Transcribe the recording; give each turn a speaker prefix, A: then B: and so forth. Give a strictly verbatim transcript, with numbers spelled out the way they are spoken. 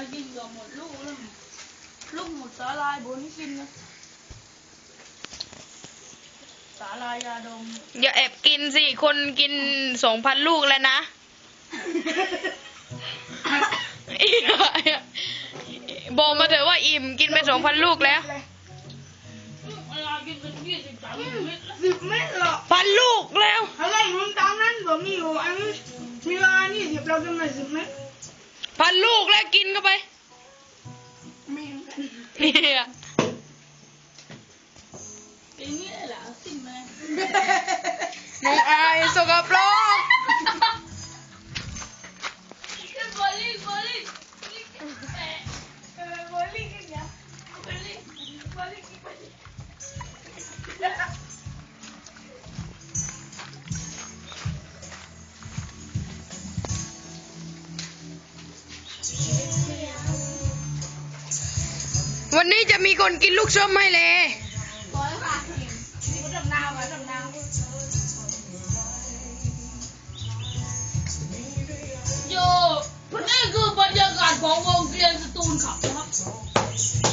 A: กินกับหมดลูกแล้วลูกหมดสาลายบนกินนะสาลายยาดม
B: อย่าแอบกินสิคนกินสองพันลูกแล้วนะบอกมาเถอะว่าอิ่มกินไปสองพันลูกแล้ว
A: สิบเม็ดหรอ
B: พันลูกแล้ว
A: อะไรมึงตามนั้นผมมีอยู่อันนี้มีเวลานี่สิบเราจะมาสิบเม็ด
B: พันลูกแล้วกินเข้าไป
A: ไม่
B: เนี่ย
A: เป็นนี่แหละสิบเม็ด
B: น้องอายสกปรก
A: บอลลี่บอลลี่บอลลี่กันเนี่ยบอลลี่บอลลี่บอลลี่
B: วันนี้จะมีคนกินลูกส้มไหมเลย
A: ร้อยค่ะนี่ดำนาวค่ะดำนาวโยนี่คือบรรยากาศของวงเวียนสตูลขับนะครับ